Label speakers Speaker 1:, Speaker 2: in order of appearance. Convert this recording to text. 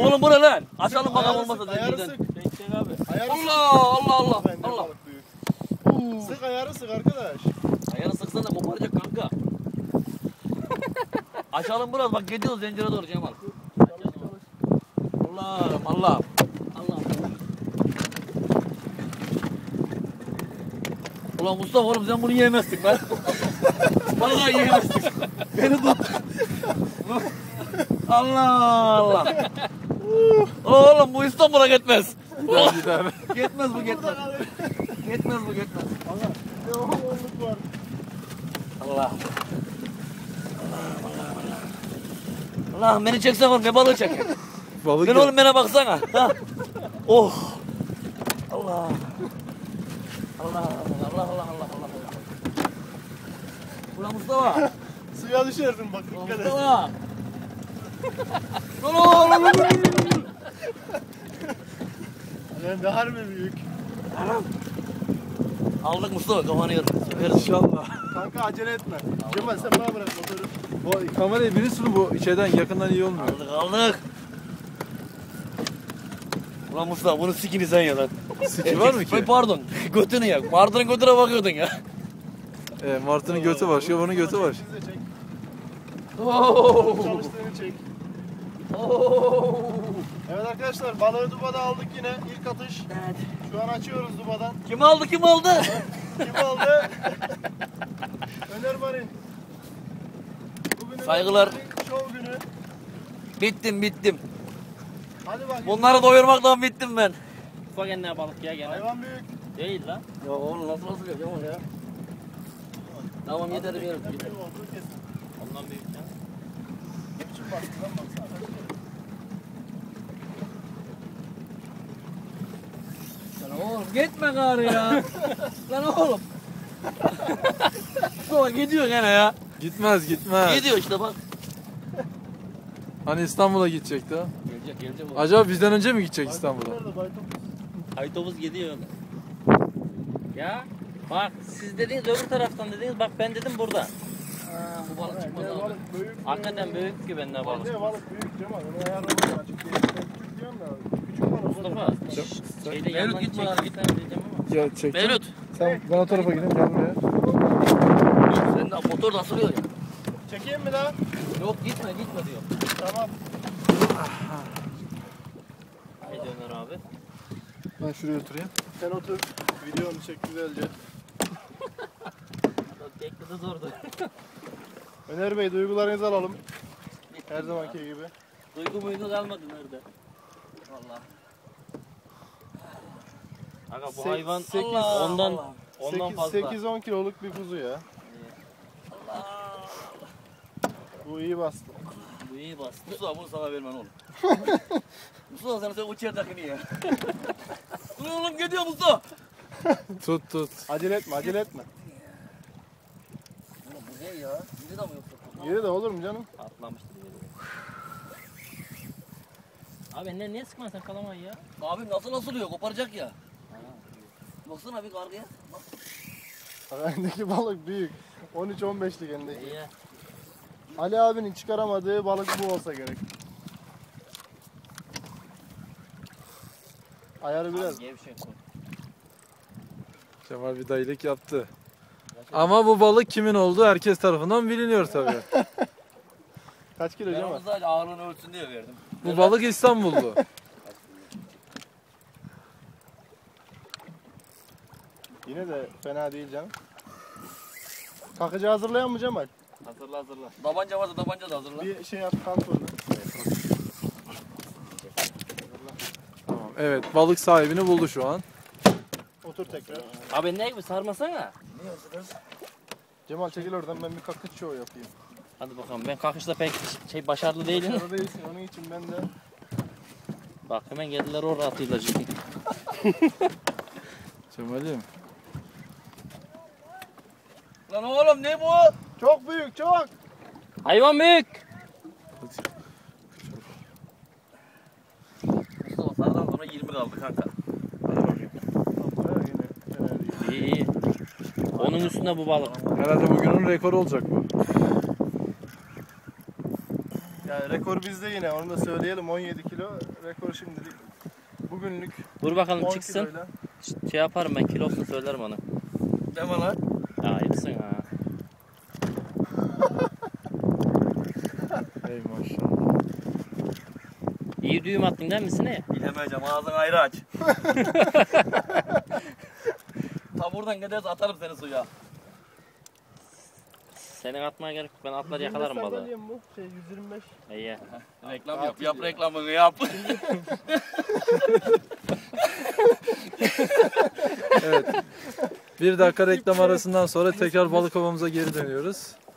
Speaker 1: Oğlum bu ne lan? Açalım bakalım olmasa
Speaker 2: Ayarı
Speaker 1: zincirden.
Speaker 2: sık.
Speaker 3: Çek abi.
Speaker 1: Allah.
Speaker 2: Bence balık büyük. Sık ayarı sık arkadaş.
Speaker 1: Ayarı sıksana koparacak kanka. Açalım biraz bak gidiyoruz zincire doğru Cemal. Allah. Ulan Mustafa oğlum sen bunu yiyemezsin lan. Vallahi yiyemezsin. Beni tut. Allah. Oğlum bu İstanbul'a gitmez. Gitmez bu. Gitmez.
Speaker 2: Allah. Ne oğluk var.
Speaker 1: Allah. Allah beni çeksen oğlum ne balığı çek.
Speaker 4: Balık
Speaker 1: Ben oğlum bana baksana. Ha. Oh. Allah. Ulan Mustafa.
Speaker 2: Suya düşersin bak dikkat et.
Speaker 1: Mustafa. Lan.
Speaker 2: Yani de harbi büyük.
Speaker 1: Aldık Mustafa kafanı yırtık.
Speaker 4: İnşallah.
Speaker 2: Kanka acele etme. Cemal sen bana bırak motoru.
Speaker 4: Bu kamerayı biri sürü bu içeriden yakından iyi olmuyor.
Speaker 1: Aldık. Ulan Mustafa bunu sikini sen ya lan.
Speaker 4: Siki var mı ki?
Speaker 1: Pardon. Götünü ya. Mardır'ın götüne bakıyordun ya.
Speaker 4: Martı'nın götü var, şabanın götü var.
Speaker 2: Siz de çek.
Speaker 1: Oo.
Speaker 2: Çalıştığını çek.
Speaker 1: Oo.
Speaker 2: Evet arkadaşlar balığı dubada aldık yine. İlk atış.
Speaker 1: Evet.
Speaker 2: Şu an açıyoruz dubadan.
Speaker 1: Kim aldı?
Speaker 2: Kim aldı? Öner Marin. Bugünün
Speaker 1: Saygılar.
Speaker 2: Şov günü.
Speaker 1: Bittim.
Speaker 2: Hadi bak.
Speaker 1: Bunları doyurmaktan bittim ben.
Speaker 3: Ufak enine balık ya gene.
Speaker 2: Hayvan büyük.
Speaker 3: Değil lan.
Speaker 1: Ya oğlum nasıl yapacağım ya? Tamam yeter bir yerim.
Speaker 3: Ondan büyük ya.
Speaker 2: Ne biçim bastı lan baksana.
Speaker 1: Lan oğlum gitme gari ya. Lan oğlum. Sonra gidiyor gene ya.
Speaker 4: Gitmez.
Speaker 1: Gidiyor işte bak.
Speaker 4: Hani İstanbul'a gidecekti ha.
Speaker 1: Gelecek.
Speaker 4: Acaba bizden önce mi gidecek İstanbul'a?
Speaker 2: Nerede baytopuz?
Speaker 3: Aytobus gidiyor. Ya bak siz dediniz öbür taraftan dediniz bak ben dedim burada.
Speaker 1: Bu balık çıkmaz
Speaker 2: Ne
Speaker 1: abi.
Speaker 2: balık büyük.
Speaker 3: Hakikaten büyük ki bende balık.
Speaker 2: Ne balık büyük Cemal. Onu ayarlamak açık değil. Ben küçük diyorum da. Küçük balık.
Speaker 3: Mustafa şeyde
Speaker 1: Mevlüt
Speaker 3: yandan
Speaker 1: gitme lan,
Speaker 3: çeksen diyeceğim ama.
Speaker 4: Ya çektim.
Speaker 1: Mevlüt.
Speaker 4: Sen ben o tarafa gideyim gel buraya.
Speaker 1: Sen de motor da asılıyor ya.
Speaker 2: Çekeyim mi lan?
Speaker 1: Yok gitme diyor.
Speaker 2: Tamam.
Speaker 3: Haydi Ömer abi.
Speaker 4: Ben şuraya oturayım.
Speaker 2: Sen otur. Videonu çek güzelce.
Speaker 3: Tekli de zordu.
Speaker 2: Öner Bey duygularınızı alalım. Her zamanki gibi.
Speaker 3: Duygu muygu kalmadı nerede?
Speaker 1: Vallahi.
Speaker 3: Aga bu
Speaker 2: Sek-
Speaker 3: hayvan
Speaker 2: sekiz-
Speaker 3: ondan fazla.
Speaker 2: 8-10 kiloluk bir kuzu ya. Bu iyi bastı.
Speaker 3: Bu iyi bastı.
Speaker 1: Mustafa bunu sana vermem oğlum. Mustafa sen uçer takını ya. Dur oğlum gidiyor Mustafa.
Speaker 4: Tut.
Speaker 2: Acele etme.
Speaker 1: Oğlum bu ne ya? Yedi de mi yoksa?
Speaker 2: Yeri de olur mu canım?
Speaker 3: Atlamıştır yeri. Abi niye sıkmadın sen kalamayı ya?
Speaker 1: Abi nasıl asılıyor? Koparacak ya. Baksana bir kargıya.
Speaker 2: Elindeki balık büyük. 13-15'lik elindeki.
Speaker 3: İyi.
Speaker 2: Ali abinin çıkaramadığı balık bu olsa gerek. Ayarı biraz.
Speaker 3: Gevşek koy.
Speaker 4: Cemal bir dayılık yaptı. Ama bu balık kimin olduğu herkes tarafından biliniyor tabii.
Speaker 2: Kaç kilo
Speaker 1: Ben
Speaker 2: Cemal?
Speaker 1: onu sadece ağırlığını ölçsün diye verdim.
Speaker 4: Bu balık İstanbullu.
Speaker 2: Yine de fena değil canım. Kakıcı hazırlayan mı Cemal?
Speaker 1: Hazırla. Tabanca varsa tabanca da hazırla.
Speaker 2: Bir şey yap kontrolü.
Speaker 4: Tamam. Evet balık sahibini buldu şu an.
Speaker 2: Otur tekrar.
Speaker 3: Abi ne gibi sarmasana.
Speaker 1: Ne hazırlarız?
Speaker 2: Cemal çekil oradan ben bir kakıç show yapayım.
Speaker 3: Hadi bakalım ben kalkışta pek başarılı değilim.
Speaker 2: Başarılı değilsin onun için ben de.
Speaker 3: Bak hemen geldiler oraya atıyla ciddi.
Speaker 4: Cemal'im.
Speaker 1: Lan oğlum ne bu?
Speaker 2: Çok büyük çok.
Speaker 3: Hayvan büyük.
Speaker 1: Mustafa sarıdan sonra 20 kaldı kanka.
Speaker 3: İyi. Onun üstünde bu balık.
Speaker 4: Herhalde bugünün rekoru olacak bu.
Speaker 2: Yani rekor bizde yine, onu da söyleyelim. 17 kilo rekor şimdilik. Bugünlük
Speaker 3: Dur bakalım
Speaker 2: 10
Speaker 3: çıksın.
Speaker 2: kiloyla.
Speaker 3: Şey yaparım ben, kilosunu söylerim ona.
Speaker 1: Deme lan.
Speaker 3: Ayıpsın ha.
Speaker 4: Ey maşallah.
Speaker 3: İyi düğüm attın değil mi Sine?
Speaker 1: Bilemeyeceğim, ağzını ayrı aç. Ta buradan giderse atarım seni suya.
Speaker 3: Senin atmaya gerek yok. Ben atlar yakalarım
Speaker 2: 125
Speaker 3: balığı.
Speaker 2: sandalye mi bu? 125.
Speaker 3: İyi.
Speaker 1: Reklam yap, yap reklamını yap.
Speaker 4: Evet. Bir dakika reklam arasından sonra tekrar balık ovamıza geri dönüyoruz.